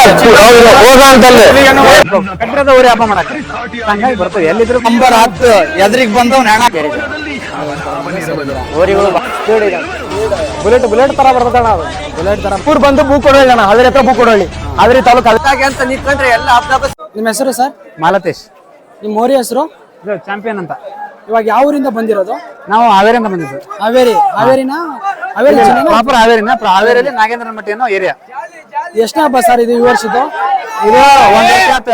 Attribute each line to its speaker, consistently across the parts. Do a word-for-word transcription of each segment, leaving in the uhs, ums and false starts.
Speaker 1: ಕಟ್ಟಿರದ ಊರಿ ಹಬ್ಬ ಮಾಡಕ್ಕೆ ಹಂಗಾಗಿ ಬರ್ತವೆ ಎಲ್ಲಿದ್ರು ನಂಬರ್ ಹತ್ತು ಎದ್ರಿಗೆ ಬಂದವ್ ನೆಣ ಊರಿಗಳು ಬುಲೆಟ್ ಬುಲೆಟ್ ತರ ಬರ್ತದಣ ಅದು ಬುಲೆಟ್ ತರ ಪೂರ್ ಬಂದು ಬೂ ಕೊಡೋಣ ಅದ್ರ ಹತ್ರ ಬೂ ಕೊಡೋಳಿ ಆದ್ರೆ ತಾಲೂಕು ಅದಕ್ಕೆ ಅಂತ ನಿಂತ್ಕೊಂಡ್ರೆ ಎಲ್ಲ ಹಬ್ಬ.
Speaker 2: ನಿಮ್ಮ ಹೆಸರು ಸರ್?
Speaker 1: ಮಾಲತೇಶ್.
Speaker 2: ನಿಮ್ಮ ಮೋರಿ ಹೆಸರು?
Speaker 1: ಚಾಂಪಿಯನ್ ಅಂತ.
Speaker 2: ಇವಾಗ ಯಾವ ಊರಿಂದ ಬಂದಿರೋದು?
Speaker 1: ನಾವು ಹಾವೇರಿಯಿಂದ ಬಂದಿದ್ದು.
Speaker 2: ಹಾವೇರಿ ಹಾವೇರಿನ ಹಾವೇರಿ
Speaker 1: ಪ್ರಾಪರ್ ಹಾವೇರಿನ ಹಾವೇರಿಯಲ್ಲಿ ನಾಗೇಂದ್ರ ಮಟ್ಟಿ ಅನ್ನೋ ಏರಿಯಾ.
Speaker 2: ಎಷ್ಟನೇ ಹಬ್ಬ ಸರ್ ಇದು ಈ ವರ್ಷದ್ದು?
Speaker 1: ಇದು ಒಂದ್ ವರ್ಷ ಆಯ್ತು.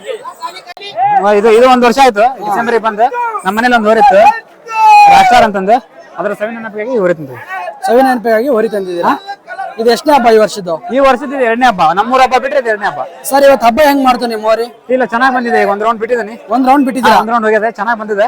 Speaker 1: ಇದು ಇದು ಒಂದ್ ವರ್ಷ ಆಯ್ತು. ಡಿಸೆಂಬರ್ ಬಂದು ನಮ್ಮ ಮನೇಲಿ ಒಂದ್ ಹೊರಿತ್ತು ರಾಷ್ಟ್ರ ಅಂತಂದು ಅದ್ರ ಸವಿ ನೆನಪಿಗಾಗಿ ಹೊರಿ ತಂದ್ವಿ.
Speaker 2: ಸವಿ ನೆನಪಿಗಾಗಿ ಹೊರಿ ತಂದಿದ್ದೀರಾ? ಇದು ಎಷ್ಟನೇ ಹಬ್ಬ ಈ ವರ್ಷದ್ದು?
Speaker 1: ಈ ವರ್ಷದ ಎರಡನೇ ಹಬ್ಬ. ನಮ್ಮೂರ ಹಬ್ಬ ಬಿಟ್ರೆ ಇದು ಎರಡನೇ ಹಬ್ಬ.
Speaker 2: ಸರ್ ಇವತ್ತು ಹಬ್ಬ ಹೆಂಗ್ ಮಾಡ್ತು ನಿಮ್ಮ ಊರಿ?
Speaker 1: ಇಲ್ಲ ಚೆನ್ನಾಗಿ ಬಂದಿದೆ. ಒಂದ್ ರೌಂಡ್ ಬಿಟ್ಟಿದ್ದೀನಿ.
Speaker 2: ಒಂದ್ ರೌಂಡ್ ಬಿಟ್ಟಿದ್ದೀರಾ?
Speaker 1: ಒಂದ್ ರೌಂಡ್ ಹೋಗಿದೆ, ಚೆನ್ನಾಗಿ ಬಂದಿದೆ.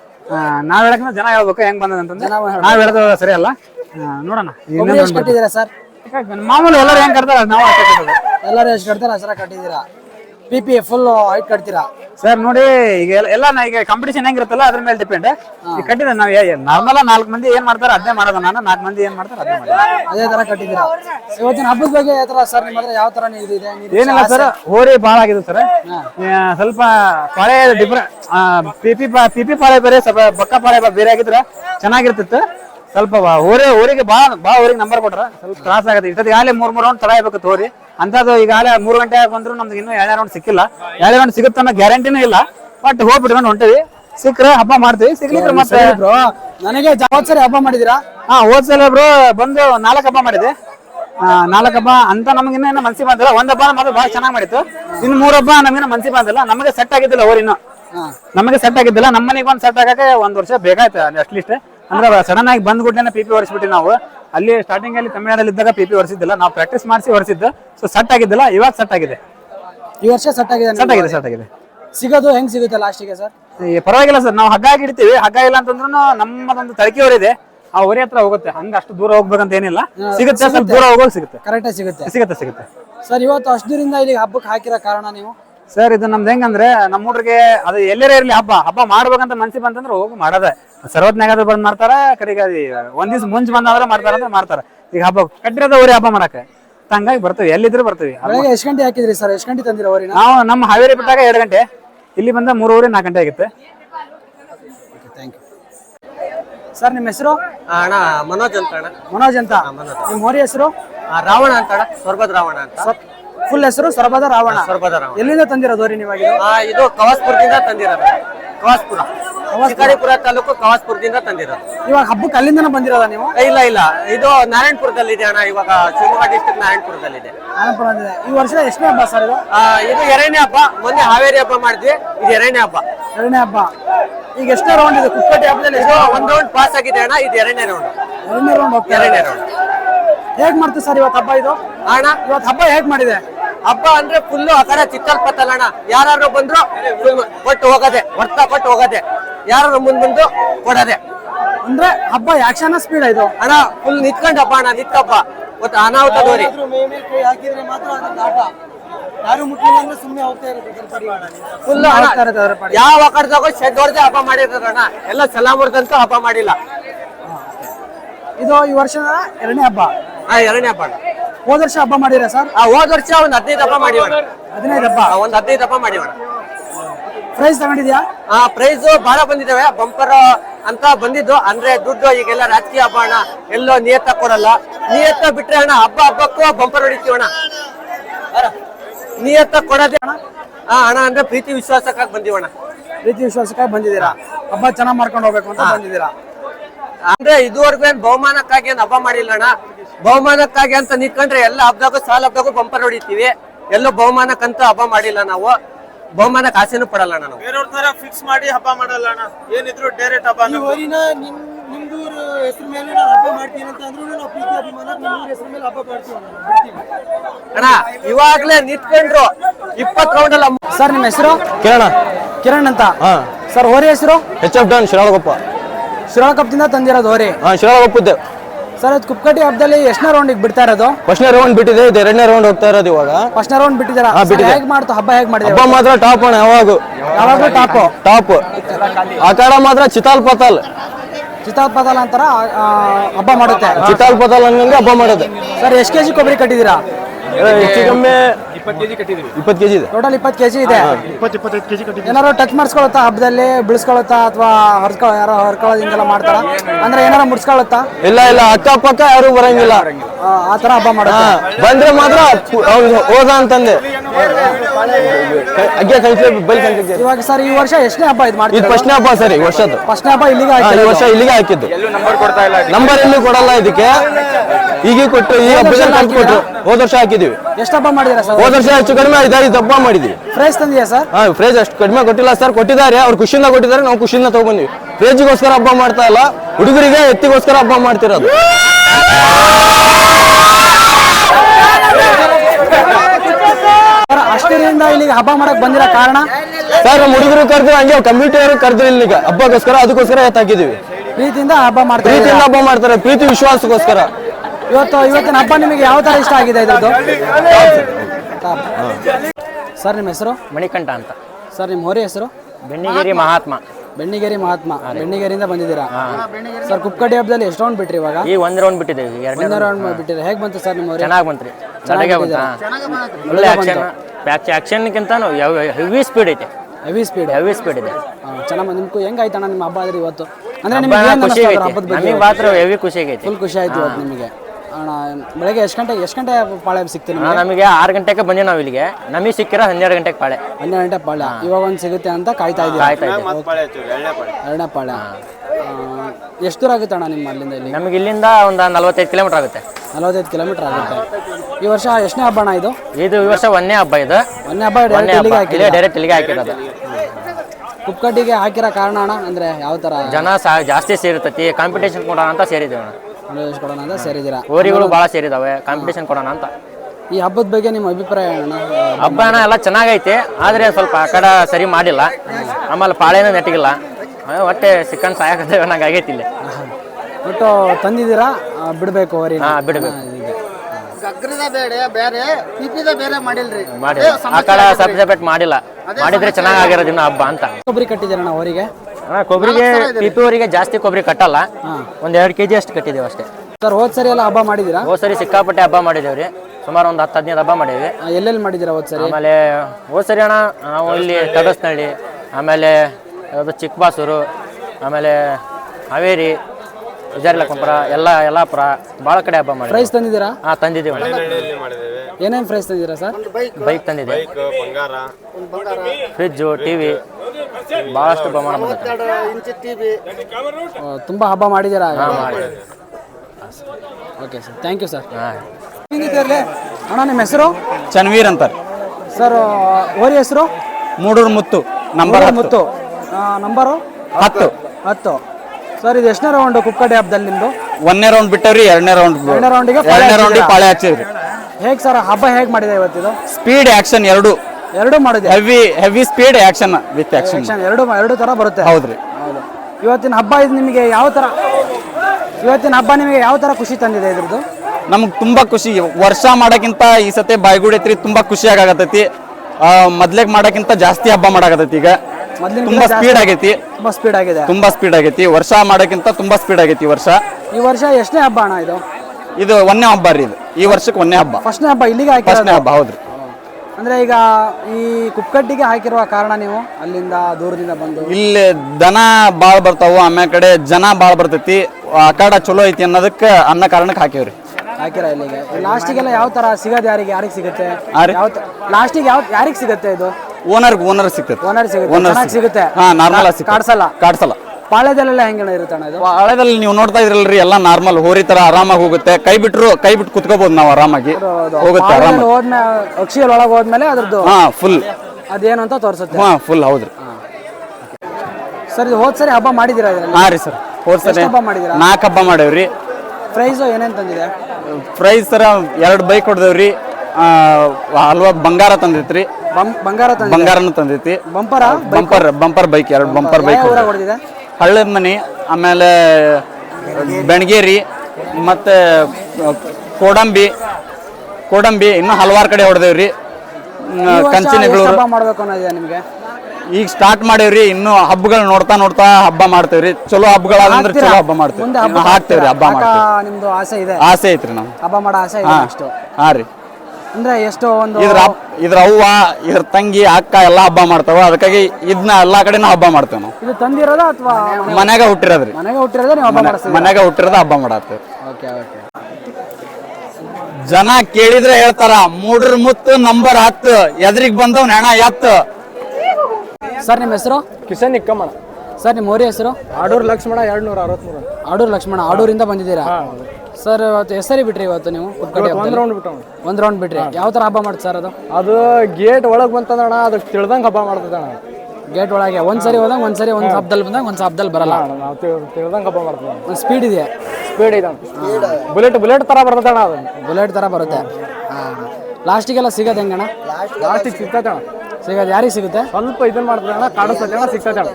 Speaker 1: ನಾವ್ ಹೇಳಕ್ ಜನ ಹೇಳ್ಬೇಕು ಹೆಂಗ್ ಬಂದದ ಅಂತಂದ್ರೆ ನಾವ್ ಹೇಳೋದು ಸರಿ ಅಲ್ಲ. ನೋಡೋಣ
Speaker 2: ಕಟ್ಟಿದ್ದೀರಾ ಸರ್?
Speaker 1: ಮಾಮೂಲು ಎಲ್ಲರೂ ಹೆಂಗ್ ಕಟ್ತಾರ ನಾವು ಅಷ್ಟೇ ಕಟ್ಟೋದು.
Speaker 2: ಎಲ್ಲರೂ ಎಷ್ಟು ಕಟ್ತಾರ ಹಸರ ಕಟ್ಟಿದ್ದೀರಾ? ಪಿ ಪಿ ಫುಲ್ ಹೈಟ್ ಕಟ್ತೀರಾ
Speaker 1: ಸರ್? ನೋಡಿ ಈಗ ಎಲ್ಲ ಈಗ ಕಾಂಪಿಟೇಷನ್ ಹೆಂಗಿರುತ್ತಲ್ಲ ಅದ್ರ ಮೇಲೆ ಡಿಪೆಂಡ್. ಈಗ ಕಟ್ಟಿದ ನಾವ್ ನಾರ್ಮಲ್ ನಾಲ್ಕು ಮಂದಿ ಏನ್ ಮಾಡ್ತಾರ ಅದೇ ಮಾಡೋದು. ನಾನು ನಾಲ್ಕು ಮಂದಿ ಏನ್ ಮಾಡ್ತಾರ ಅದೇ ಮಾಡೋದು.
Speaker 2: ಅದೇ ತರ ಕಟ್ಟಿದ್ದೀರಾ. ಇವತ್ತಿನ ಹಬ್ಬದ ಬಗ್ಗೆ ಯಾವ ತರ ಸರ್? ನಿಮ್ಮ ಹತ್ರ ಯಾವ ತರ ಇದೆ?
Speaker 1: ಏನಿಲ್ಲ ಸರ್, ಹೋರಿ ಬಾಳ ಆಗಿದೆ ಸರ್. ಸ್ವಲ್ಪ ಪಾಳೆ ಡಿಫ್ರೆಂಟ್ ಪಿಪಿ ಪಿಪಿ ಪಾಳೆ ಬೇರೆ, ಸ್ವಲ್ಪ ಬಕ್ಕ ಪಾಳೆ ಬೇರೆ ಆಗಿದ್ರೆ ಚೆನ್ನಾಗಿರ್ತಿತ್ತು. ಸ್ವಲ್ಪ ಹೋರಿ ಊರಿಗೆ ಬಾ ಬಾ ಊರಿಗೆ ನಂಬರ್ ಕೊಟ್ರ ಸ್ವಲ್ಪ ತ್ರಾಸ ಆಗುತ್ತೆ. ಇಷ್ಟೊತ್ತಿಗೆ ಆಗಲೇ ಮೂರ್ ಮೂರ್ ರೌಂಡ್ ತಡ ಆಗ್ಬೇಕು ಹೋರಿ ಅಂತದ್ದು. ಈಗಾಗಲೇ ಮೂರು ಗಂಟೆ ಬಂದ್ರು ನಮ್ಗೆ ಇನ್ನೂ ಎರಡನೇ ರೌಂಡ್ ಸಿಕ್ಕಿಲ್ಲ. ಎರಡನೇ ರೌಂಡ್ ಸಿಗುತ್ತೆ ಅನ್ನೋ ಗ್ಯಾರಂಟಿನೂ ಇಲ್ಲ. ಬಟ್ ಹೋಗ್ಬಿಟ್ಕೊಂಡು ಹೊಂಟಿವಿ. ಸಿಕ್ಕ್ರೆ ಹಬ್ಬ ಮಾಡ್ತೀವಿ, ಸಿಗ್ಲಿಕ್ಕೆ ಮತ್ತೆ
Speaker 2: ಬ್ರೋ. ನನಗೆ ಹೋದ್ ಸರಿ ಹಬ್ಬ ಮಾಡಿದೀರಾ?
Speaker 1: ಹಾ ಹೋದ್ ಸಲ ಬ್ರೋ ಬಂದು ನಾಲ್ಕು ಹಬ್ಬ ಮಾಡಿದೆ. ನಾಲ್ಕು ಹಬ್ಬ ಅಂತ ನಮ್ಗೆ ಇನ್ನೂ ಮನ್ಸಿ ಬಂದಿಲ್ಲ. ಒಂದ್ ಹಬ್ಬ ಮಾತ್ರ ಬಹಳ ಚೆನ್ನಾಗಿ ಮಾಡಿತ್ತು. ಇನ್ನು ಮೂರ್ ಹಬ್ಬ ನಮ್ಗಿನ್ನ ಮನ್ಸಿ ಬಂದಿಲ್ಲ. ನಮಗೆ ಸೆಟ್ ಆಗಿದ್ದಿಲ್ಲ ಊರಿನ್ನು. ನಮಗೆ ಸೆಟ್ ಆಗಿದ್ದಿಲ್ಲ. ನಮ್ಮ ಮನೆಗೆ ಒಂದ್ ಸೆಟ್ ಆಗಕ್ಕೆ ಒಂದ್ ವರ್ಷ ಬೇಕಾಯ್ತು ಅಟ್ಲೀಸ್ಟ್. ಅಂದ್ರೆ ಸಡನ್ ಆಗಿ ಬಂದ್ ಗುಡ್ಡನೆ ಪಿ ಪಿ ಹೊರಿಸ್ಬಿಟ್ಟು ನಾವು ಅಲ್ಲಿ ಸ್ಟಾರ್ಟಿಂಗ್ ಅಲ್ಲಿ ತಮಿಳ್ನಾಡಲ್ಲಿ ಇದ್ದಾಗ ಪಿ ಪಿ ಹೊರಿಸಿದ್ದಿಲ್ಲ. ನಾವು ಪ್ರಾಕ್ಟೀಸ್ ಮಾಡಿಸಿ ಹೊರಿಸಿದ್ದು. So set ಆಗಿದ್ದಿಲ್ಲ. ಇವಾಗ ಸೆಟ್ ಆಗಿದೆ.
Speaker 2: ಈ ವರ್ಷ ಸೆಟ್ ಆಗಿದೆ.
Speaker 1: ಸೆಟ್ ಆಗಿದೆ ಸೆಟ್ ಆಗಿದೆ.
Speaker 2: ಸಿಗೋದು ಹೆಂಗ್ ಸಿಗುತ್ತೆ ಲಾಸ್ಟಿಗೆ ಸರ್?
Speaker 1: ಪರವಾಗಿಲ್ಲ ಸರ್, ನಾವು ಹಗ್ಗ ಇಡ್ತೀವಿ. ಹಗ್ಗ ಇಲ್ಲ ಅಂತಂದ್ರೂ ನಮ್ಮದೊಂದು ತಳಕಿ ಹೊರಿದೆ, ಆ ಹೊರಿ ಹತ್ರ ಹೋಗುತ್ತೆ. ಹಂಗ ಅಷ್ಟು ದೂರ ಹೋಗ್ಬೇಕಂತ ಏನಿಲ್ಲ, ಸಿಗುತ್ತೆ. ಸ್ವಲ್ಪ ದೂರ ಹೋಗೋದು ಸಿಗುತ್ತೆ.
Speaker 2: ಕರೆಕ್ಟ್ ಸಿಗುತ್ತೆ
Speaker 1: ಸಿಗುತ್ತೆ ಸಿಗುತ್ತೆ
Speaker 2: ಸರ್. ಇವತ್ತು ಅಷ್ಟು ದೂರಿಂದ ಇಲ್ಲಿ ಹಬ್ಬಕ್ಕೆ ಹಾಕಿರೋ ಕಾರಣ ನೀವು?
Speaker 1: ಸರ್ ಇದು ನಮ್ದು ಹೆಂಗಂದ್ರೆ ನಮ್ಮ ಹುಡ್ರಿಗೆ ಅದು ಎಲ್ಲರೇ ಇರ್ಲಿ ಹಬ್ಬ ಹಬ್ಬ ಮಾಡ್ಬೇಕಂತ ಮನ್ಸಿ ಬಂತಂದ್ರೆ ಹೋಗಿ ಮಾಡೋದೇ. ಸರ್ವತ್ನಾಗ ಬಂದ್ ಮಾಡ್ತಾರ, ಕಡೆಗೆ ಒಂದ್ ದಿವ್ಸ ಮುಂಚೆ ಬಂದಾದ್ರೆ ಮಾಡ್ತಾರ ಅಂದ್ರೆ ಮಾಡ್ತಾರ. ಈಗ ಹಬ್ಬ ಕಟ್ಟಿರೋದ ಊರಿ ಹಬ್ಬ ಮಾಡಕ್ಕೆ ಹಂಗಾಗಿ ಬರ್ತೀವಿ, ಎಲ್ಲಿದ್ರು ಬರ್ತೀವಿ.
Speaker 2: ಎಷ್ಟು ಗಂಟೆ ಹಾಕಿದ್ರಿ ಸರ್? ಎಷ್ಟು ಗಂಟೆ ತಂದಿರ ಊರಿನ?
Speaker 1: ನಾವು ನಮ್ಮ ಹಾವೇರಿ ಬಿಟ್ಟಾಗ ಎರಡು ಗಂಟೆ, ಇಲ್ಲಿ ಬಂದ ಮೂರುವರೆ ನಾಲ್ಕು ಗಂಟೆ ಆಗಿತ್ತು.
Speaker 2: ಸರ್ ನಿಮ್ಮ ಹೆಸರು?
Speaker 3: ಅಣ್ಣ ಮನೋಜ್ ಅಂತ. ಅಣ್ಣ
Speaker 2: ಮನೋಜ್ ಅಂತ. ನಿಮ್ಮ ಮೋರಿ ಹೆಸರು?
Speaker 3: ರಾವಣ ಅಂತ ಅಣ್ಣ, ಸ್ವರ್ಗದ ರಾವಣ ಅಂತ.
Speaker 2: ಫುಲ್ ಹೆಸರು ಸ್ವರ್ಗದ ರಾವಣ.
Speaker 3: ಸ್ವರ್ಗದ ರಾವಣ.
Speaker 2: ಎಲ್ಲಿಂದ ತಂದಿರೋದು ಊರಿ ನೀವಾಗ?
Speaker 3: ಇದು ಕವಾಸ್ಪುರದಿಂದ ತಂದಿರೋದು. ಕವಾಸ್ಪುರ, ಶಿಕಾರಿಪುರ ತಾಲೂಕು ಕವಾಸ್ಪುರದಿಂದ ತಂದಿರೋದು.
Speaker 2: ಇವಾಗ ಹಬ್ಬಕ್ಕೆ ಅಲ್ಲಿಂದನೇ ಬಂದಿರೋದ ನೀವು?
Speaker 3: ಇಲ್ಲ ಇಲ್ಲ, ಇದು ನಾರಾಯಣಪುರದಲ್ಲಿ ಇದೆ ಅಣ್ಣ. ಇವಾಗ ಶಿವಮೊಗ್ಗ ಡಿಸ್ಟ್ರಿಕ್ಟ್ ನಾರಾಯಣಪುರದಲ್ಲಿ ಇದೆ.
Speaker 2: ಈ ವರ್ಷ ಎಷ್ಟನೇ ಹಬ್ಬ ಸರ್ ಇದು?
Speaker 3: ಇದು ಎರಡನೇ ಹಬ್ಬ. ಮೊನ್ನೆ ಹಾವೇರಿ ಹಬ್ಬ ಮಾಡಿದ್ವಿ, ಇದು ಎರಡನೇ ಹಬ್ಬ.
Speaker 2: ಎರಡನೇ ಹಬ್ಬ. ಈಗ ಎಷ್ಟನೇ ರೌಂಡ್ ಇದೆ ಕುಕ್ಕಟ್ಟಿ ಹಬ್ಬದಲ್ಲಿ?
Speaker 3: ಇದು ಒಂದ್ ರೌಂಡ್ ಪಾಸ್ ಆಗಿದೆ ಅಣ್ಣ, ಇದು ಎರಡನೇ ರೌಂಡ್.
Speaker 2: ಎರಡನೇ ರೌಂಡ್ ಹೋಗ್ತಾ
Speaker 3: ಎರಡನೇ ರೌಂಡ್.
Speaker 2: ಹೇಗ್ ಮಾಡ್ತೀವಿ ಸರ್ ಇವತ್ತು ಹಬ್ಬ? ಇದು
Speaker 3: ಅಣ್ಣ
Speaker 2: ಇವತ್ತು ಹಬ್ಬ ಹೇಗ್ ಮಾಡಿದೆ?
Speaker 3: ಹಬ್ಬ ಅಂದ್ರೆ ಫುಲ್ ಆ ಕಡೆ ಚಿಕ್ಕಲ್ಪತ್ತಲ್ಲ ಅಣ್ಣ. ಯಾರು ಬಂದ್ರು ಕೊಟ್ಟು ಹೋಗದೆ, ವರ್ತ ಕೊಟ್ಟು ಹೋಗದೆ, ಯಾರು ಮುಂದ್ ಬಂದು ಕೊಡದೆ.
Speaker 2: ಅಂದ್ರೆ ಹಬ್ಬ ಯಾಕ್ಷನ ಸ್ಪೀಡ್ ಇದು
Speaker 3: ಅಣ್ಣ. ಫುಲ್ ನಿಂತ್ಕೊಂಡ್ ಹಬ್ಬ ಅಣ್ಣ, ನಿಂತ ಹಬ್ಬ. ಗೊತ್ತಾ ಅನಾಹುತ ನೋಡಿ. ಫುಲ್ ಯಾವ ಕಡೆದಾಗ ಶೆಡ್ ಹೊಡೆದೇ ಹಬ್ಬ ಮಾಡಿರ್ತಾರಣ್ಣ. ಎಲ್ಲ ಸಲಾಮುರ್ದಂತ ಹಬ್ಬ ಮಾಡಿಲ್ಲ.
Speaker 2: ಇದು ಈ ವರ್ಷದ ಎರಡನೇ ಹಬ್ಬ.
Speaker 3: ಹಾ ಎರಡನೇ ಹಬ್ಬ.
Speaker 2: ಹೋದ ವರ್ಷ ಹಬ್ಬ ಮಾಡಿರ ಸರ್?
Speaker 3: ಆ ಹೋದ ವರ್ಷ ಒಂದ್ ಹದಿನೈದು ಹಬ್ಬ ಮಾಡಿವಣ.
Speaker 2: ಹದಿನೈದು ಹಬ್ಬ
Speaker 3: ಒಂದ್ ಹದಿನೈದು ಹಬ್ಬ ಮಾಡಿವಣ.
Speaker 2: ಪ್ರೈಸ್ ತಗೊಂಡಿದ್ಯಾ?
Speaker 3: ಆ ಪ್ರೈಸ್ ಬಹಳ ಬಂದಿದ್ದಾವೆ. ಬಂಪರ್ ಅಂತ ಬಂದಿದ್ದು. ಅಂದ್ರೆ ದುಡ್ಡು ಈಗೆಲ್ಲ ರಾಜಕೀಯ ಹಬ್ಬ ಅಣ್ಣ, ಎಲ್ಲೋ ನಿಯತ್ತ ಕೊಡಲ್ಲ. ನಿಯತ್ತ ಬಿಟ್ರೆ ಅಣ್ಣ ಹಬ್ಬ ಹಬ್ಬಕ್ಕೂ ಬಂಪರ್ ಹೊಡಿತೀವಣ್ಣ. ನಿಯತ್ತ ಕೊಡೋದೇ ಅಣ್ಣ. ಹಾ ಅಣ್ಣ, ಅಂದ್ರೆ ಪ್ರೀತಿ ವಿಶ್ವಾಸಕ್ಕಾಗಿ ಬಂದಿವಣ್ಣ.
Speaker 2: ಪ್ರೀತಿ ವಿಶ್ವಾಸಕ್ಕಾಗಿ ಬಂದಿದ್ದೀರಾ? ಹಬ್ಬ ಚೆನ್ನಾಗ್ ಮಾಡ್ಕೊಂಡು ಹೋಗ್ಬೇಕು ಅಂತ ಬಂದಿದ್ದೀರಾ?
Speaker 3: ಅಂದ್ರೆ ಇದುವರೆಗೂ ಏನ್ ಬಹುಮಾನಕ್ಕಾಗಿ ಏನ್ ಹಬ್ಬ ಮಾಡಿಲ್ಲ ಅಣ್ಣ. ಬಹುಮಾನಕ್ಕಾಗಿ ಅಂತ ನಿಂತ್ಕೊಂಡ್ರೆ ಎಲ್ಲ ಹಬ್ಬದಾಗೂ ಸಾಲ ಹಬ್ಬದಾಗೂ ಬಂಪರ್ ಹೊಡಿತೀವಿ. ಎಲ್ಲೋ ಬಹುಮಾನಕ್ಕಂತ ಹಬ್ಬ ಮಾಡಿಲ್ಲ ನಾವು. ಬಹುಮಾನಕ್ಕೆ ಆಸೆನೂ ಪಡಲ್ಲ ಅಣ್ಣ ನಾವು.
Speaker 4: ಬೇರೆಯವ್ರ ತರ ಫಿಕ್ಸ್ ಮಾಡಿ ಹಬ್ಬ ಮಾಡಲ್ಲ ಅಣ್ಣ. ಏನಿದ್ರು ಡೈರೆಕ್ಟ್ ಹಬ್ಬ. ನಿಮ್ದೂರು ಹೆಸರು ಮೇಲೆ ಹಬ್ಬ ಮಾಡ್ತೀನಿ ಅಂತ ಅಂದ್ರೂ ನಾವು ಪ್ರೀತಿ ಅಭಿಮಾನ ನಿಮ್ಮೂರ ಹೆಸರು ಮೇಲೆ ಹಬ್ಬ ಮಾಡ್ತೀವಿ
Speaker 3: ಅಣ್ಣ. ಇವಾಗ್ಲೇ ನಿಂತ್ಕೊಂಡ್ರು ಇಪ್ಪತ್ತು ರೌಂಡ್ ಅಲ್ಲ.
Speaker 2: ಸರ್ ನಿಮ್ಮ ಹೆಸರು?
Speaker 1: ಕಿರಣ.
Speaker 2: ಕಿರಣ್ ಅಂತ. ಸರ್ ಹೋರಿ ಹೆಸರು?
Speaker 1: H F Don Shiralakoppa.
Speaker 2: ಶಿರಾಳಕೊಪ್ಪದಿಂದ ತಂದಿರೋದು ಹೋರಿ?
Speaker 1: ಹಾ ಶಿರಾಳಕೊಪ್ಪದ್ದೆ
Speaker 2: ಸರ್. ಅದು ಕುಕ್ಕಟ್ಟಿ ಹಬ್ಬದಲ್ಲಿ ಎಷ್ಟನೇ ರೌಂಡ್ ಬಿಡ್ತಾ ಇರೋದು?
Speaker 1: ಫಸ್ಟ್ನೇ ರೌಂಡ್ ಬಿಟ್ಟಿದೆ, ಇದು ಎರಡನೇ ರೌಂಡ್ ಹೋಗ್ತಾ ಇರೋದು ಇವಾಗ.
Speaker 2: ಫಸ್ಟ್ನೇ ರೌಂಡ್ ಬಿಟ್ಟಿದ್ದೀರಾ? ಹೇಗೆ ಮಾಡ್ತು ಹಬ್ಬ? ಹೇಗೆ ಮಾಡಿದೆ
Speaker 1: ಹಬ್ಬ? ಮಾತ್ರ ಟಾಪ್ ಅಣ್ಣ. ಯಾವಾಗ
Speaker 2: ಯಾವಾಗಲೂ ಟಾಪ್
Speaker 1: ಟಾಪ್. ಆಕಾಡ ಮಾತ್ರ ಚಿತಾಲ್ ಪತಾಲ್
Speaker 2: ಚಿತಾಲ್ ಪತಾಲ್ ಅಂತಾರ ಹಬ್ಬ ಮಾಡುತ್ತೆ.
Speaker 1: ಚಿತಾಲ್ ಪತಾಲ್ ಹಂಗಂಗೆ ಹಬ್ಬ ಮಾಡೋದು.
Speaker 2: ಸರ್ ಎಷ್ಟು ಕೆಜಿ ಕೊಬ್ಬರಿ ಕಟ್ಟಿದ್ದೀರಾ?
Speaker 5: ಹೆಚ್ಚು ಕಮ್ಮಿ ಇಪ್ಪತ್ತು ಕೆಜಿ ಕಟ್ಟಿದ್ವಿ ಇಪ್ಪತ್ತು ಕೆಜಿ ಇದೆ
Speaker 2: ಟೋಟಲ್ ಇಪ್ಪತ್ತು ಕೆಜಿ ಇದೆ.
Speaker 4: ಇಪ್ಪತ್ತು ಇಪ್ಪತ್ತೈದು ಕೆಜಿ ಕಟ್ಟಿ
Speaker 2: ಏನಾರು ಟಚ್ ಮಾಡಿಸ್ಕೊಳುತ್ತಾ ಹಬ್ಬದಲ್ಲಿ ಬಿಡಿಸ್ಕೊಳುತ್ತಾ ಅಥವಾ ಹೊರ್ಸ್ಕೊ ಯಾರೋ ಹೊರ್ಕೊಳ್ಳೋದು ಹಿಂಗೆಲ್ಲ ಮಾಡ್ತಾರ ಅಂದ್ರೆ ಏನಾರ ಮುಡ್ಸ್ಕೊಳುತ್ತಾ?
Speaker 5: ಇಲ್ಲ ಇಲ್ಲ ಅಕ್ಕಪಕ್ಕ ಯಾರು ಬರಂಗಿಲ್ಲ,
Speaker 2: ಆ, ಆ ತರ ಹಬ್ಬ ಮಾಡುತ್ತೆ.
Speaker 5: ಬಂದ್ರೆ ಮಾತ್ರ ಅವ್ನು ಹೋದ ಅಂತಂದೆ ಅಗ್ಗೆ ಕಳಿಸಿ ಬೈಲ್ ಕಳಿಸಿ.
Speaker 2: ಇವಾಗ ಸರ್ ಈ ವರ್ಷ ಎಷ್ಟನೇ ಹಬ್ಬ ಇದು
Speaker 5: ಇದು
Speaker 2: ಮಾಡ್ತೀರಾ?
Speaker 5: ಫಸ್ಟ್ನೇ ಹಬ್ಬ ಸರ್ ಈ ವರ್ಷದ್ದು.
Speaker 2: ಫಸ್ಟ್ನೇ ಹಬ್ಬ ಇಲ್ಲಿಗೆ
Speaker 5: ಹಾ, ಈ
Speaker 2: ಹಾಕಿರೋದು.
Speaker 5: ವರ್ಷ ಇಲ್ಲಿಗೆ ಹಾಕಿದ್ದು. ನಂಬರ್ ಎಲ್ಲೂ ಕೊಡಲ್ಲ ಇದಕ್ಕೆ, ಈಗ ಕೊಟ್ಟು ಈ ಹಬ್ಬದಲ್ಲಿ ಕಲ್ತು ಕೊಟ್ರು. ಹೋದ ವರ್ಷ ಹಾಕಿದೀವಿ.
Speaker 2: ಎಷ್ಟು ಹಬ್ಬ ಮಾಡಿದಿರಾ ಸರ್?
Speaker 5: ಹೋದ ವರ್ಷ ಹೆಚ್ಚು ಕಡಿಮೆ ಐದಾರು ಹಬ್ಬ ಮಾಡಿದ್ವಿ.
Speaker 2: ಪ್ರೈಸ್ ತಂದಿಯಾ ಸರ್?
Speaker 5: ಹಾ, ಫ್ರೇಜ್ ಅಷ್ಟು ಕಡಿಮೆ ಕೊಟ್ಟಿಲ್ಲ ಸರ್, ಕೊಟ್ಟಿದ್ದಾರೆ ಅವ್ರು ಖುಷಿಯಿಂದ ಕೊಟ್ಟಿದ್ದಾರೆ, ನಾವು ಖುಷಿಯಿಂದ ತಗೊಂಡ್ಬಂದ್ವಿ. ಫ್ರೇಜ್ಗೋಸ್ಕರ ಹಬ್ಬ ಮಾಡ್ತಾ ಇಲ್ಲ, ಹುಡುಗರಿಗೆ ಎತ್ತಿಗೋಸ್ಕರ ಹಬ್ಬ ಮಾಡ್ತಿರೋದು.
Speaker 2: ಸರ್ ಅಷ್ಟರಿಂದ ಇಲ್ಲಿಗೆ ಹಬ್ಬ ಮಾಡಕ್ ಬಂದಿರೋ ಕಾರಣ?
Speaker 5: ಸರ್ ನಮ್ಮ ಹುಡುಗರು ಕರೆದ್ರು, ಹಂಗೆ ಕಮ್ಯುನಿಟಿ ಅವರು ಕರೆದ್ರು ಇಲ್ಲಿಗೆ ಹಬ್ಬಕ್ಕೋಸ್ಕರ, ಅದಕ್ಕೋಸ್ಕರ ಎತ್ತಾಕಿದೀವಿ.
Speaker 2: ಪ್ರೀತಿಯಿಂದ ಹಬ್ಬ ಮಾಡ್ತಾರೆ.
Speaker 5: ಪ್ರೀತಿಯಿಂದ ಹಬ್ಬ ಮಾಡ್ತಾರೆ, ಪ್ರೀತಿ ವಿಶ್ವಾಸಕ್ಕೋಸ್ಕರ.
Speaker 2: ಇವತ್ತು ಇವತ್ತಿನ ಹಬ್ಬ ನಿಮಗೆ ಯಾವ ತರ ಇಷ್ಟ ಆಗಿದೆ ಇದ್ರದ್ದು? ಸರ್ ನಿಮ್ಮ ಹೆಸರು?
Speaker 6: ಮಣಿಕಂಠ ಅಂತ.
Speaker 2: ಸರ್ ನಿಮ್ಮ ಹೋರಿ ಹೆಸರು?
Speaker 6: ಬೆಣ್ಣಿಗೇರಿ ಮಹಾತ್ಮ.
Speaker 2: ಬೆಣ್ಣಿಗೇರಿ ಮಹಾತ್ಮ. ಬೆಣ್ಣಿಗೇರಿಯಿಂದ ಬಂದಿದ್ದೀರಾ ಸರ್? ಕುಕ್ಕಡಿ ಹಬ್ಬದಲ್ಲಿ ಎಷ್ಟು ರೌಂಡ್ ಬಿಟ್ರಿ ಇವಾಗ?
Speaker 6: ಈಗ ಒಂದ್ ರೌಂಡ್ ಬಿಟ್ಟಿದ್ದೇವೆ, ಎರಡನೇ
Speaker 2: ಒಂದೇ ರೌಂಡ್ ಬಿಟ್ಟಿರಿ. ಹೇಗೆ ಬಂತು ಸರ್ ನಿಮ್ಮ ಹೋರಿ?
Speaker 6: ಚೆನ್ನಾಗಿ ಬಂತ್ರಿ, ಚೆನ್ನಾಗೇ ಬಂತ. ಒಳ್ಳೆ ಆಕ್ಷನ್, ಆಕ್ಷನ್ಗಿಂತ ಹೆವಿ ಸ್ಪೀಡ್ ಐತೆ,
Speaker 2: ಹೆವಿ ಸ್ಪೀಡ್
Speaker 6: ಹೆವಿ ಸ್ಪೀಡ್ ಇದೆ.
Speaker 2: ಚೆನ್ನಾಗಿ ನಿಮ್ಗೂ ಹೆಂಗ್ ಆಯ್ತಣ್ಣ ನಿಮ್ಮ ಹಬ್ಬ ಆದ್ರೆ ಇವತ್ತು? ಅಂದ್ರೆ
Speaker 6: ಹಬ್ಬ
Speaker 2: ನಿಮ್ಗೆ ಏನ್
Speaker 6: ಖುಷಿ
Speaker 2: ಅನ್ನಿಸ್ತು ಅದ್ರ
Speaker 6: ಆಗೈತೆ,
Speaker 2: ಹಬ್ಬದ ಬಗ್ಗೆ?
Speaker 6: ನಮಗೆ ಮಾತ್ರ ಹೆವಿ ಖುಷಿ ಆಗೈತೆ.
Speaker 2: ಫುಲ್ ಖುಷಿ ಆಯ್ತು ಇವತ್ತು ನಿಮಗೆ. ಅಣ್ಣ ಬೆಳಗ್ಗೆ ಎಷ್ಟು ಗಂಟೆ ಎಷ್ಟು ಗಂಟೆ ಪಾಳೆ ಸಿಗ್ತೀನಿ
Speaker 6: ಹಾ, ನಮಗೆ ಆರು ಗಂಟೆಗೆ ಬಂದ್ವಿ ನಾವು ಇಲ್ಲಿಗೆ, ನಮಗೆ ಸಿಕ್ಕಿರೋ ಹನ್ನೆರಡು ಗಂಟೆಗೆ ಪಾಳೆ.
Speaker 2: ಹನ್ನೆರಡು ಗಂಟೆ ಪಾಳೆ ಇವಾಗ ಒಂದು ಸಿಗುತ್ತೆ ಅಂತ ಕಾಯ್ತಾ ಇದ್ದೀವಿ.
Speaker 6: ಕಾಯ್ತಾ ಇದ್ದೀವಿ.
Speaker 2: ಎರಡನೇ ಪಾಳೆ. ಎಷ್ಟು ದೂರ ಆಗುತ್ತೆ ಅಣ್ಣ ನಿಮ್ಮ ಅಲ್ಲಿಂದ ಇಲ್ಲಿ?
Speaker 6: ನಮಗೆ ಇಲ್ಲಿಂದ ಒಂದು ನಲವತ್ತೈದು ಕಿಲೋಮೀಟರ್ ಆಗುತ್ತೆ.
Speaker 2: ನಲವತ್ತೈದು ಕಿಲೋಮೀಟರ್ ಆಗುತ್ತೆ. ಈ ವರ್ಷ ಎಷ್ಟನೇ ಹಬ್ಬ ಅಣ್ಣ ಇದು?
Speaker 6: ಇದು ಈ ವರ್ಷ ಒಂದೇ ಹಬ್ಬ ಇದು.
Speaker 2: ಒಂದೇ ಹಬ್ಬ
Speaker 6: ಒಂದೇ
Speaker 2: ಡೈರೆಕ್ಟ್ ಇಲ್ಲಿಗೆ
Speaker 6: ಹಬ್ಬ, ಇಲ್ಲೇ
Speaker 2: ಹಾಕಿದ್ದೀರಾ?
Speaker 6: ಡೈರೆಕ್ಟ್ ಇಲ್ಲಿಗೆ ಹಾಕಿರೋದು.
Speaker 2: ಕುಕ್ಕಟ್ಟಿಗೆ ಹಾಕಿರೋ ಕಾರಣ ಅಣ್ಣ ಅಂದ್ರೆ ಯಾವ ತರ?
Speaker 6: ಜನ ಸಾ ಜಾಸ್ತಿ ಸೇರ್ತೈತಿ, ಕಾಂಪಿಟೇಷನ್ ಕೊಡೋಣ ಅಂತ ಸೇರಿದ್ದೀವಿ ಅಣ್ಣ.
Speaker 2: ಅನುದಾನ ಕೊಡೋಣ ಅಂತ ಸೇರಿದ್ದೀರಾ?
Speaker 6: ಹೋರಿಗಳು ಭಾಳ ಸೇರಿದಾವೆ, ಕಾಂಪಿಟೇಷನ್ ಕೊಡೋಣ ಅಂತ.
Speaker 2: ಈ ಹಬ್ಬದ ಬಗ್ಗೆ ನಿಮ್ಮ ಅಭಿಪ್ರಾಯ ಅಣ್ಣ?
Speaker 6: ಹಬ್ಬನ ಎಲ್ಲ ಚೆನ್ನಾಗೈತೆ, ಆದರೆ ಸ್ವಲ್ಪ ಆ ಕಡೆ ಸರಿ ಮಾಡಿಲ್ಲ, ಆಮೇಲೆ ಪಾಳೆನೂ ನೆಟ್ಟಿಗಿಲ್ಲ, ಹೊಟ್ಟೆ ಸಿಕ್ಕಂಡು ಸಾಯಕತ್ತೇವೆ ಅನ್ನಂಗೆ ಆಗೈತಿ ಇಲ್ಲಿ.
Speaker 2: ಒಟ್ಟು ತಂದಿದ್ದೀರಾ, ಆ, ಬಿಡ್ಬೇಕು ಅವರಿಗೆ?
Speaker 6: ಹಾ, ಬಿಡ್ಬೇಕು. ಮಾಡಿ ಆ ಕಡೆ ಸಪ್ರೇಟ್ ಮಾಡಿಲ್ಲ, ಮಾಡಿದ್ರೆ ಚೆನ್ನಾಗಿರೋದು ಇನ್ನು ಹಬ್ಬ ಅಂತ.
Speaker 2: ಕೊಬ್ಬರಿ ಕಟ್ಟಿದ್ದೀರಣ್ಣ ಅವರಿಗೆ?
Speaker 6: ಹಾ, ಕೊಬ್ಬರಿಗೆ ಪಿಪಿ ಅವರಿಗೆ ಜಾಸ್ತಿ ಕೊಬ್ಬರಿ ಕಟ್ಟಲ್ಲ, ಒಂದ್ ಎರಡು ಕೆಜಿ ಅಷ್ಟು ಕಟ್ಟಿದ್ದೇವೆ ಅಷ್ಟೇ.
Speaker 2: ಸರ್ ಹೋದ್ ಸರಿ ಎಲ್ಲ ಹಬ್ಬ ಮಾಡಿದ್ದೀರಾ?
Speaker 6: ಹೋದ್ ಸರಿ ಸಿಕ್ಕಾಪಟ್ಟೆ ಹಬ್ಬ ಮಾಡಿದೇವ್ರಿ, ಸುಮಾರು ಒಂದು ಹತ್ತು ಹದಿನೈದು ಹಬ್ಬ ಮಾಡಿದ್ವಿ.
Speaker 2: ಆ, ಎಲ್ಲೆಲ್ಲಿ ಮಾಡಿದ್ದೀರಾ ಹೋದ್ ಸರಿ?
Speaker 6: ಆಮೇಲೆ ಹೋದ್ ಸರಿ ಅಣ್ಣ ನಾವು ಇಲ್ಲಿ ತಗಸ್ನಳ್ಳಿ, ಆಮೇಲೆ ಅದು ಚಿಕ್ಕಬಾಸೂರು, ಆಮೇಲೆ ಹಾವೇರಿ, ವಿಜಯಲಕ್ಷ್ಮೀಪುರ, ಎಲ್ಲ ಯಲ್ಲಾಪುರ, ಭಾಳ ಕಡೆ ಹಬ್ಬ ಮಾಡಿ.
Speaker 2: ಪ್ರೈಸ್ ತಂದಿದ್ದೀರಾ?
Speaker 6: ಹಾ, ತಂದಿದ್ದೀವಿ.
Speaker 2: ಏನೇನು ಪ್ರೈಸ್ ತಂದಿದ್ದೀರಾ ಸರ್?
Speaker 6: ಬೈಕ್ ತಂದಿದೆ, ಫ್ರಿಜ್ಜು, ಟಿವಿ, ಭಾಳಷ್ಟು ಹಬ್ಬ ಮಾಡಬಹುದು.
Speaker 2: ತುಂಬಾ ಹಬ್ಬ ಮಾಡಿದ್ದೀರಾ?
Speaker 6: ಹಾ, ಮಾಡಿ.
Speaker 2: Okay sir, thank you sir.
Speaker 6: ಹಾ.
Speaker 2: ಅಣ್ಣ ನಿಮ್ಮ ಹೆಸರು?
Speaker 1: ಚನ್ವೀರ್ ಅಂತಾರೆ
Speaker 2: ಸರ್. ಓರಿ ಹೆಸರು?
Speaker 1: ಮೂಡೂರು ಮುತ್ತು, ನಂಬರ್
Speaker 2: ಮುತ್ತು. ನಂಬರು
Speaker 1: ಹತ್ತು.
Speaker 2: ಹತ್ತು. ಸರ್ ಇದು ಎಷ್ಟನೇ ರೌಂಡ್ ಕುಕ್ಕಡಿ ಹಬ್ಬದಲ್ಲಿ ನಿಮ್ದು?
Speaker 1: ಒಂದನೇ ರೌಂಡ್ ಬಿಟ್ಟವ್ರಿ, ಎರಡನೇ ರೌಂಡ್
Speaker 2: ಎರಡನೇ ರೌಂಡಿಗೆ
Speaker 1: ಎರಡನೇ ರೌಂಡಿಗೆ ಪಾಳೆ ಹಚ್ಚಿದ್ರಿ.
Speaker 2: ಹೇಗೆ ಸರ್ ಹಬ್ಬ ಹೇಗೆ ಮಾಡಿದೆ ಇವತ್ತಿದು?
Speaker 1: ಸ್ಪೀಡ್ ಆಕ್ಷನ್ ಎರಡು
Speaker 2: ಎರಡು ಮಾಡಿದೆ.
Speaker 1: Heavy heavy speed action with action
Speaker 2: action ಎರಡು ಎರಡು ತರ ಬರುತ್ತೆ.
Speaker 1: ಹೌದ್ರಿ.
Speaker 2: ಹೌದು. ಇವತ್ತಿನ ಹಬ್ಬ ಇದು ನಿಮಗೆ ಯಾವ ತರ ಇವತ್ತಿನ ಹಬ್ಬ ನಿಮಗೆ ಯಾವ ತರ ಖುಷಿ ತಂದಿದೆ ಇದ್ರದ್ದು?
Speaker 1: ನಮ್ಗೆ ತುಂಬಾ ಖುಷಿ. ವರ್ಷ ಮಾಡಕ್ಕಿಂತ ಈ ಸತಿ ಬಾಯ್ಗುಡಿ ಐತ್ರಿ, ತುಂಬಾ ಖುಷಿಯಾಗ ಆಗತೈತಿ. ಮೊದ್ಲೇಗ್ ಮಾಡಕ್ಕಿಂತ ಜಾಸ್ತಿ ಹಬ್ಬ ಮಾಡಾಕತೈತಿ ಈಗ. ತುಂಬಾ ಸ್ಪೀಡ್ ಆಗೈತಿ,
Speaker 2: ತುಂಬಾ ಸ್ಪೀಡ್ ಆಗಿದೆ.
Speaker 1: ತುಂಬಾ ಸ್ಪೀಡ್ ಆಗೈತಿ. ವರ್ಷ ಮಾಡಕ್ಕಿಂತ ತುಂಬಾ ಸ್ಪೀಡ್ ಆಗೈತಿ ಈ ವರ್ಷ.
Speaker 2: ಈ ವರ್ಷ ಎಷ್ಟನೇ ಹಬ್ಬ ಅಣ್ಣ ಇದು?
Speaker 1: ಇದು ಒಂದೇ ಹಬ್ಬ ರೀ, ಇದು ಈ ವರ್ಷಕ್ಕೆ ಒಂದೇ ಹಬ್ಬ.
Speaker 2: ಫಸ್ಟ್ನೇ ಹಬ್ಬ ಇಲ್ಲಿಗೆ
Speaker 1: ಫಸ್ಟ್ನೇ
Speaker 2: ಹಾಕಿರೋದು?
Speaker 1: ಹಬ್ಬ, ಹೌದ್ರಿ.
Speaker 2: ಅಂದ್ರೆ ಈಗ ಈ ಕುಕ್ಕಟ್ಟಿಗೆ ಹಾಕಿರುವ ಕಾರಣ ನೀವು ಅಲ್ಲಿಂದ ದೂರದಿಂದ ಬಂದು
Speaker 1: ಇಲ್ಲಿ ದನ ಬಾಳ್ ಬರ್ತಾವು, ಆಮೇಲೆ ಕಡೆ ಜನ ಬಾಳ್ ಬರ್ತೈತಿ, ಆ ಕಡೆ ಚಲೋ ಐತಿ ಅನ್ನೋದಕ್ಕೆ ಅನ್ನೋ ಕಾರಣಕ್ಕೆ ಹಾಕಿವ್ರಿ.
Speaker 2: ಹಾಕಿರ ಇಲ್ಲಿಗೆ. ಲಾಸ್ಟಿಗೆಲ್ಲ ಯಾವ ತರ ಸಿಗೋದು? ಯಾರಿಗೆ ಯಾರಿಗೆ ಸಿಗುತ್ತೆ?
Speaker 1: ಹಾ ರೀ.
Speaker 2: ಯಾವ ಲಾಸ್ಟಿಗೆ ಯಾವ ಯಾರಿಗೆ ಸಿಗುತ್ತೆ ಇದು?
Speaker 1: ಓನರ್ ಓನರ್ ಸಿಗ್ತೈತಿ.
Speaker 2: ಓನರ್ ಸಿಗುತ್ತೆ,
Speaker 1: ಓನರ್
Speaker 2: ಚೆನ್ನಾಗಿ ಸಿಗುತ್ತೆ.
Speaker 1: ಹಾ, ನಾರ್ಮಲ್ ಆಗಿ
Speaker 2: ಕಾಡ್ಸಲ್ಲ?
Speaker 1: ಕಾಡ್ಸಲ್ಲ.
Speaker 2: ಪಾಳ್ಯದಲ್ಲೆಲ್ಲ ಹೆಂಗಣ ಇರುತ್ತೆ ಅಣ್ಣ ಇದು?
Speaker 1: ಹಳೆದಲ್ಲಿ ನೀವು ನೋಡ್ತಾ ಇದ್ರಲ್ರಿ, ಎಲ್ಲ ನಾರ್ಮಲ್ ಹೋರಿ ತರ ಆರಾಮಾಗಿ ಹೋಗುತ್ತೆ. ಕೈ ಬಿಟ್ರು ಕೈ ಬಿಟ್ಟು ಕುತ್ಕೋಬಹುದು ನಾವು, ಆರಾಮಾಗಿ ಹೋಗುತ್ತೆ ಆರಾಮ.
Speaker 2: ಹೋದ್ಮೇಲೆ ಅಕ್ಷಿಯಲ್ಲಿ ಒಳಗೆ ಹೋದ್ಮೇಲೆ ಅದ್ರದ್ದು
Speaker 1: ಹಾ ಫುಲ್
Speaker 2: ಅದೇನು ಅಂತ ತೋರಿಸುತ್ತೆ.
Speaker 1: ಹಾ ಫುಲ್ ಹೌದ್ರಿ.
Speaker 2: ಸರ್ ಇದು ಹೋದ್ ಸರಿ ಹಬ್ಬ ಮಾಡಿದಿರಾ ಇದರಲ್ಲಿ?
Speaker 1: ಹಾ ರೀ ಸರ್, ಹೋದ್ ಸರಿ
Speaker 2: ಹಬ್ಬ ಮಾಡಿದಿರಾ?
Speaker 1: ನಾಲ್ಕು ಹಬ್ಬ ಮಾಡೇವ್ರಿ.
Speaker 2: ಪ್ರೈಸ್ ಏನೇನು ತಂದಿದೆ?
Speaker 1: ಪ್ರೈಸ್ ಸರ ಎರಡು ಬೈಕ್ ಹೊಡೆದೇವ್ರಿ, ಹಲ್ವಾ ಬಂಗಾರ ತಂದೈತ್ರಿ,
Speaker 2: ಬಂ- ಬಂಗಾರ ತಂದಿದೆ.
Speaker 1: ಬಂಗಾರನು ತಂದೈತಿ.
Speaker 2: ಬಂಪರ
Speaker 1: ಬಂಪರ್ ಬಂಪರ್ ಬೈಕ್, ಎರಡು ಬಂಪರ್ ಬೈಕ್
Speaker 2: ಹೊಡೆದಿದೆ.
Speaker 1: ಹಳ್ಳದ ಮನಿ, ಆಮೇಲೆ ಬೆಣಗೇರಿ, ಮತ್ತೆ ಕೋಡಂಬಿ ಕೋಡಂಬಿ ಇನ್ನೂ ಹಲವಾರು ಕಡೆ ಹೊಡೆದೇವ್ರಿ. ಕಂಚಿನಗಳು
Speaker 2: ಹಬ್ಬ ಮಾಡ್ಬೇಕು ಅನ್ನೋದಿದೆ ನಿಮಗೆ?
Speaker 1: ಈಗ ಸ್ಟಾರ್ಟ್ ಮಾಡೇವ್ರಿ. ಇನ್ನು ಹಬ್ಬಗಳು ನೋಡ್ತಾ ನೋಡ್ತಾ ಹಬ್ಬ ಮಾಡ್ತೇವ್ರಿ. ಚಲೋ ಹಬ್ಬಗಳಾದ್ರೆ ಚಲೋ ಹಬ್ಬ ಮಾಡ್ತೇವೆ,
Speaker 2: ಮುಂದೆ ಹಬ್ಬ
Speaker 1: ಹಾಕ್ತೇವ್ರಿ. ಹಬ್ಬ
Speaker 2: ಯಾಕ
Speaker 1: ಮಾಡ್ತೇವೆ,
Speaker 2: ನಿಮ್ದು ಆಸೆ ಇದೆ?
Speaker 1: ಆಸೆ ಐತ್ರಿ ನಾವು
Speaker 2: ಹಬ್ಬ ಮಾಡೋ ಆಸೆ ಇದೆ
Speaker 1: ಹಾ
Speaker 2: ನೆಕ್ಸ್ಟ್.
Speaker 1: ಹಾ ರೀ.
Speaker 2: ಅಂದ್ರೆ ಎಷ್ಟು ಒಂದು
Speaker 7: ಇದ್ರ ಅಪ್- ಇದ್ರ ಅವ್ವ ಇದ್ರ ತಂಗಿ ಅಕ್ಕ ಎಲ್ಲಾ ಹಬ್ಬ ಮಾಡ್ತಾವ. ಅದಕ್ಕಾಗಿ ಇದನ್ನ ಎಲ್ಲಾ ಕಡೆನೂ ಹಬ್ಬ ಮಾಡ್ತೇವೆ ನಾವು.
Speaker 2: ಇದು ತಂದಿರೋದ ಅಥವಾ
Speaker 7: ಮನ್ಯಾಗ ಹುಟ್ಟಿರೋದ್ರಿ,
Speaker 2: ಮನೆಗೆ ಹುಟ್ಟಿರೋದೇ ನೀವು ಹಬ್ಬ ಮಾಡಿಸ್ತೀವಿ?
Speaker 7: ಮನ್ಯಾಗ ಹುಟ್ಟಿರೋದ ಹಬ್ಬ ಮಾಡತ್ತೇವೆ.
Speaker 2: Okay okay.
Speaker 7: ಜನ ಕೇಳಿದ್ರೆ ಹೇಳ್ತಾರ ಮೂಡ್ರ ಮುತ್ತು ನಂಬರ್ ಹತ್ತು ಎದ್ರಿಗ್ ಬಂದವ್ ಹೆಣ ಎತ್ತು.
Speaker 2: ಸರ್ ನಿಮ್ಮ ಹೆಸರು?
Speaker 5: ಕಿಶನ್ ನಿಕ್ಕಮ್ಮಣ.
Speaker 2: ಸರ್ ನಿಮ್ಮ ಊರಿ ಹೆಸರು?
Speaker 5: ಆಡೂರು ಲಕ್ಷ್ಮಣ ಎರಡು ನೂರ ಅರವತ್ಮೂರು.
Speaker 2: ಆಡೂರು ಲಕ್ಷ್ಮಣ, ಆಡೂರಿಂದ ಬಂದಿದ್ದೀರಾ ಸರ್? ಇವತ್ತು ಹೆಸರಿ ಬಿಟ್ರಿ ಇವತ್ತು ನೀವು ಕುಕ್ಕಡಿ
Speaker 5: ಒಂದ್ ರೌಂಡ್ ಬಿಟ್ಟು
Speaker 2: ಒಂದು ರೌಂಡ್ ಬಿಟ್ರಿ. ಯಾವ ಥರ ಹಬ್ಬ ಮಾಡ್ತೀವಿ ಸರ್ ಅದು?
Speaker 5: ಅದು ಗೇಟ್ ಒಳಗೆ ಬಂತಂದಣ್ಣ, ಅದಕ್ಕೆ ತಿಳ್ದಂಗೆ ಹಬ್ಬ ಮಾಡ್ತದಣ್ಣ.
Speaker 2: ಗೇಟ್ ಒಳಗೆ ಒಂದ್ಸರಿ ಹೋದಾಗ ಒಂದ್ಸರಿ ಒಂದು ಹಬ್ಬದಲ್ಲಿ ಬಂದಾಗ ಒಂದು ಹಬ್ಬದಲ್ಲಿ ಬರಲ್ಲ.
Speaker 5: ನಾವು ತಿಳ್ದಂಗೆ ಹಬ್ಬ ಮಾಡ್ತೀವಿ.
Speaker 2: ಒಂದು ಸ್ಪೀಡ್ ಇದೆ,
Speaker 5: ಸ್ಪೀಡ್ ಇದೆ, ಬುಲೆಟ್ ಬುಲೆಟ್ ಥರ ಬರ್ತದಣ್ಣ. ಅದು
Speaker 2: ಬುಲೆಟ್ ಥರ ಬರುತ್ತೆ. ಹಾಂ, ಲಾಸ್ಟಿಗೆಲ್ಲ ಸಿಗೋದು ಹೆಂಗಣ್ಣ?
Speaker 5: ಲಾಸ್ಟಿಗೆ ಸಿಗ್ತದಣ್ಣ.
Speaker 2: ಸಿಗೋದು ಯಾರಿಗೆ ಸಿಗುತ್ತೆ?
Speaker 5: ಸ್ವಲ್ಪ ಇದನ್ನ ಮಾಡ್ತದಣ್ಣ, ಕಾಡಿಸ್ತದಣ್ಣ, ಸಿಗ್ತದಣ್ಣ.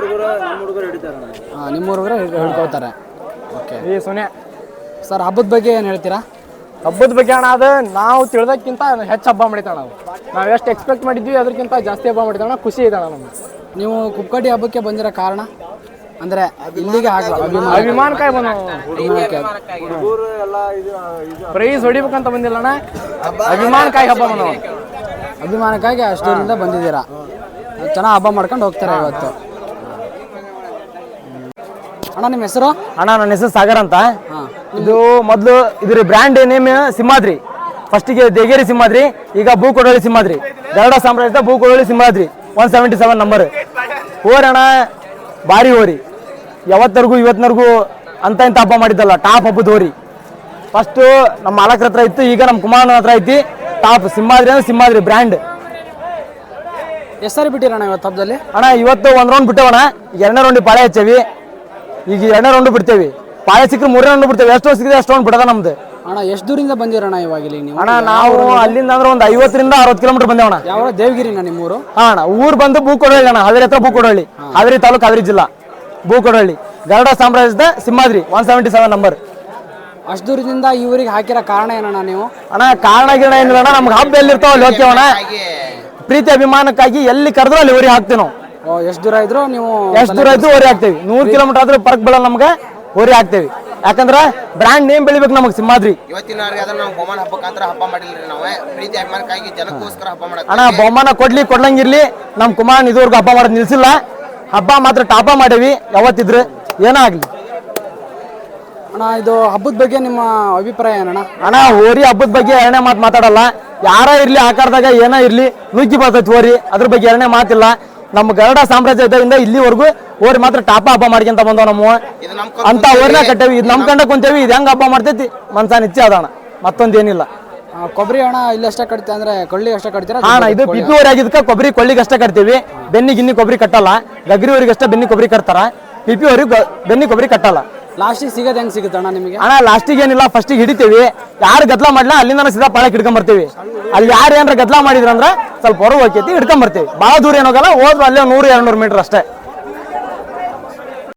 Speaker 2: ಹಾಂ, ನಿಮ್ಮ ಹುಡುಗರು ಹಿಡ್ಕೊಳ್ತಾರೆ. ಓಕೆ.
Speaker 5: ಈ ಸುನೆ
Speaker 2: ಸರ್ ಹಬ್ಬದ ಬಗ್ಗೆ ಏನು ಹೇಳ್ತೀರಾ?
Speaker 5: ಹಬ್ಬದ ಬಗ್ಗೆ ಅಣ್ಣ, ಅದು ನಾವು ತಿಳ್ದಕ್ಕಿಂತ ಹೆಚ್ಚು ಹಬ್ಬ ಮಾಡಿತಣ್ಣ. ನಾವು ನಾವು ಎಷ್ಟು ಎಕ್ಸ್ಪೆಕ್ಟ್ ಮಾಡಿದ್ವಿ ಅದಕ್ಕಿಂತ ಜಾಸ್ತಿ ಹಬ್ಬ ಮಾಡಿದಣ್ಣ. ಖುಷಿ ಇದೆ ಅಣ್ಣ ನಮ್ಗೆ.
Speaker 2: ನೀವು ಕುಕ್ಕಡಿ ಹಬ್ಬಕ್ಕೆ ಬಂದಿರೋ ಕಾರಣ ಅಂದರೆ ಇಲ್ಲಿಗೆ ಆಗಲ್ಲ ಅಭಿಮಾನ
Speaker 5: ಅಭಿಮಾನಕ್ಕಾಗಿ ಬಂದ ಪ್ರೈಸ್ ಹೊಡಿಬೇಕಂತ ಬಂದಿಲ್ಲ ಅಣ್ಣ, ಅಭಿಮಾನಕ್ಕಾಗಿ ಹಬ್ಬ ಬಂದ.
Speaker 2: ಅಭಿಮಾನಕ್ಕಾಗಿ ಅಷ್ಟೂರಿಂದ ಬಂದಿದ್ದೀರಾ. ಚೆನ್ನಾಗಿ ಹಬ್ಬ ಮಾಡ್ಕೊಂಡು ಹೋಗ್ತಾರೆ ಇವತ್ತು. ಅಣ್ಣ ನಿಮ್ಮ ಹೆಸರು?
Speaker 5: ಅಣ್ಣ ನನ್ನ ಹೆಸರು ಸಾಗರ್ ಅಂತ. ಇದು ಮೊದಲು ಇದ್ರ ಬ್ರ್ಯಾಂಡ್ ನೇಮ್ ಸಿಂಹಾದ್ರಿ. ಫಸ್ಟಿಗೆ ದೇಗೇರಿ ಸಿಂಹಾದ್ರಿ, ಈಗ ಭೂಕೊಡೋಳಿ ಸಿಂಹಾದ್ರಿ. ಗರುಡ ಸಾಮ್ರಾಜ್ಯದ Bhukodoli Simhadri one seventy seven number. ಓರಿ ಅಣ್ಣ ಭಾರಿ ಓರಿ, ಯಾವತ್ತರೆಗೂ ಇವತ್ತಿನವರೆಗೂ ಅಂತ ಇಂಥ ಹಬ್ಬ ಮಾಡಿದ್ದಲ್ಲ. ಟಾಪ್ ಹಬ್ಬದ ಓರಿ. ಫಸ್ಟು ನಮ್ಮ ಮಾಲಕರ ಹತ್ರ ಇತ್ತು, ಈಗ ನಮ್ಮ ಕುಮಾರನ ಹತ್ರ ಐತಿ. ಟಾಪ್ ಸಿಂಹಾದ್ರಿ ಅಂದ್ರೆ ಸಿಂಹಾದ್ರಿ ಬ್ರ್ಯಾಂಡ್.
Speaker 2: ಹೆಸರು ಬಿಟ್ಟಿರಣ್ಣ ಇವತ್ತು ಹಬ್ಬದಲ್ಲಿ?
Speaker 5: ಅಣ್ಣ ಇವತ್ತು ಒಂದ್ ರೌಂಡ್ ಬಿಟ್ಟವಣ್ಣ, ಎರಡನೇ ರೌಂಡ್ ಪಾಳೆ ಹಚ್ಚೇವಿ. ಈಗ ಎರಡನೇ ರೌಂಡ್ ಬಿಡ್ತೇವಿ, ಪಾಳೆ ಸಿಕ್ಕರೆ ಮೂರನೇ ರೌಂಡ್ ಬಿಡ್ತೇವೆ. ಎಷ್ಟು ಸಿಕ್ಕಿದೆ ಅಷ್ಟು ರೌಂಡ್ ಬಿಡದ ನಮ್ದು.
Speaker 2: ಅಣ್ಣ ಎಷ್ಟು ದೂರಿಂದ ಬಂದಿರಣ್ಣ ಇವಾಗ ಇಲ್ಲಿ ನೀವು?
Speaker 5: ಅಣ್ಣ ನಾವು ಅಲ್ಲಿಂದ ಅಂದ್ರೆ ಒಂದು ಐವತ್ತರಿಂದ ಅರವತ್ತು ಕಿಲೋಮೀಟರ್ ಬಂದೇವಣ್ಣ.
Speaker 2: ಯಾವ ದೇವಗಿರಿನ ನಿಮ್ಮೂರು?
Speaker 5: ಹಾ ಅಣ್ಣ, ಊರು ಬಂದು ಭೂಕೊಡಳ್ಳಿ ಅಣ್ಣ, ಹಾವೇರಿ ಹತ್ರ ಭೂಕೊಡಳ್ಳಿ, ಹಾವೇರಿ ತಾಲೂಕು, ಹಾವೇರಿ ಜಿಲ್ಲಾ, ಭೂಕೊಡಳ್ಳಿ. ಗರುಡ ಸಾಮ್ರಾಜ್ಯದ Simhadri one seventy seven number.
Speaker 2: ಅಷ್ಟು ದೂರದಿಂದ ಈ ಊರಿಗೆ ಹಾಕಿರೋ ಕಾರಣ ಏನಣ್ಣ ನೀವು?
Speaker 5: ಅಣ್ಣ ಕಾರಣ ಗಿರಣ ಏನಿಲ್ಲ ಅಣ್ಣ, ನಮ್ಗೆ ಹಬ್ಬ ಎಲ್ಲಿರ್ತಾವ ಅಲ್ಲಿ ಹೋಗ್ತೇವಣ್ಣ. ಪ್ರೀತಿ ಅಭಿಮಾನಕ್ಕಾಗಿ ಎಲ್ಲಿ ಕರೆದ್ರು ಅಲ್ಲಿ ಊರಿಗೆ ಹಾಕ್ತೇವೆ ನಾವು.
Speaker 2: ಓ, ಎಷ್ಟು ದೂರ ಇದ್ರು ನೀವು?
Speaker 5: ಎಷ್ಟು ದೂರ ಇದ್ದು ಊರಿ ಹಾಕ್ತೇವಿ. ನೂರು ಕಿಲೋಮೀಟರ್ ಆದ್ರೂ ಪರ್ಕ್ ಬೀಳಲ್ಲ ನಮ್ಗೆ, ಊರಿ ಹಾಕ್ತೇವಿ. ಯಾಕಂದ್ರೆ ಬ್ರ್ಯಾಂಡ್ ನೇಮ್ ಬೆಳಿಬೇಕು ನಮಗೆ ಸಿಂಹಾದ್ರಿ.
Speaker 8: ಇವತ್ತಿನವರೆಗೆ ಅದನ್ನ ನಾವು ಬಹುಮಾನ ಹಬ್ಬಕ್ಕಂತ ಹಬ್ಬ ಮಾಡಿಲ್ರಿ. ನಾವು ಪ್ರೀತಿ ಅಭಿಮಾನಕ್ಕಾಗಿ ಜನಕ್ಕೋಸ್ಕರ ಹಬ್ಬ ಮಾಡಕ್ಕೆ.
Speaker 5: ಅಣ್ಣ ಬಹುಮಾನ ಕೊಡ್ಲಿ ಕೊಡ್ಲಂಗಿರ್ಲಿ, ನಮ್ ಕುಮಾರ್ ಇದುವರೆಗೂ ಹಬ್ಬ ಮಾಡೋದು ನಿಲ್ಸಿಲ್ಲ. ಹಬ್ಬ ಮಾತ್ರ ಟಾಪ ಮಾಡೇವಿ ಯಾವತ್ತಿದ್ರು, ಏನೇ ಆಗ್ಲಿ.
Speaker 2: ಅಣ್ಣ ಇದು ಹಬ್ಬದ ಬಗ್ಗೆ ನಿಮ್ಮ ಅಭಿಪ್ರಾಯ ಏನಣ್ಣ?
Speaker 5: ಅಣ್ಣ ಹೋರಿ ಹಬ್ಬದ ಬಗ್ಗೆ ಎರಡನೇ ಮಾತು ಮಾತಾಡಲ್ಲ. ಯಾರ ಇರ್ಲಿ ಆಕಾರದಾಗ ಏನ ಇರ್ಲಿ ನುಗ್ಗಿ ಬರ್ತೈತಿ ಹೋರಿ, ಅದ್ರ ಬಗ್ಗೆ ಎರಡನೇ ಮಾತಿಲ್ಲ. ನಮ್ಮ ಗರುಡ ಸಾಮ್ರಾಜ್ಯ ಇದ್ದರಿಂದ ಇಲ್ಲಿವರೆಗೂ ಓರಿ ಮಾತ್ರ ಟಾಪ ಹಬ್ಬ ಮಾಡ್ಕೊಂತ ಬಂದವ ನಮ್ಮ ಅಂತ ಓರಿನ ಕಟ್ಟೇವಿ. ಇದು ನಮ್ ಕಂಡ ಕುಂತೇವಿ, ಇದು ಹೆಂಗ್ ಹಬ್ಬ ಮಾಡ್ತೈತಿ ಮನ್ಸಾನ ಇಚ್ಛೆ ಅದಣ್ಣ, ಮತ್ತೊಂದೇನಿಲ್ಲ.
Speaker 2: ಕೊಬ್ಬರಿ ಹಣ ಇಲ್ಲಿ ಅಷ್ಟೇ ಕಟ್ತೀವಿ ಅಂದ್ರೆ ಕೊಳ್ಳಿ ಅಷ್ಟೇ ಕಟ್ತೀರಾ?
Speaker 5: ಅಣ್ಣ ಇದು ಪಿಪಿ ಊರಿ ಆಗಿದ್ದಕ್ಕೆ ಕೊಬ್ಬರಿ ಕೊಳ್ಳಿಗೆ ಅಷ್ಟೇ ಕಟ್ತೀವಿ. ಬೆನ್ನಿ ಗಿನ್ನಿ ಕೊಬ್ಬರಿ ಕಟ್ಟಲ್ಲ. ಗಗ್ರಿ ಊರಿಗೆ ಅಷ್ಟೇ ಬೆನ್ನಿ ಕೊಬ್ಬರಿ ಕಟ್ತಾರ, ಪಿಪಿ ಊರಿಗೆ ಬೆನ್ನಿ ಕೊಬ್ಬರಿ ಕಟ್ಟಲ್ಲ.
Speaker 2: ಲಾಸ್ಟಿಗೆ ಸಿಗೋದು ಹೆಂಗ್ ಸಿಗುತ್ತೆ ಅಣ್ಣ ನಿಮಗೆ?
Speaker 5: ಅಣ್ಣ ಲಾಸ್ಟಿಗೆ ಏನಿಲ್ಲ, ಫಸ್ಟಿಗೆ ಹಿಡಿತೀವಿ. ಯಾರು ಗದ್ಲ ಮಾಡ್ಲಾ ಅಲ್ಲಿಂದ ಸೀದಾ ಪಾಳಕ್ಕೆ ಹಿಡ್ಕೊಂಡ್ ಬರ್ತೀವಿ. ಅಲ್ಲಿ ಯಾರು ಏನಾರ ಗದ್ಲ ಮಾಡಿದ್ರಂದ್ರ ಸ್ವಲ್ಪ ಹೊರ ಹೋಗ್ತೈತಿ, ಹಿಡ್ಕೊಂಡ್ ಬರ್ತೀವಿ. ಭಾಳ ದೂರ ಏನೋಗಲ್ಲ, ಹೋದ್ರು ಅಲ್ಲೇ ನೂರು ಎರಡು ನೂರು ಮೀಟರ್ ಅಷ್ಟೇ.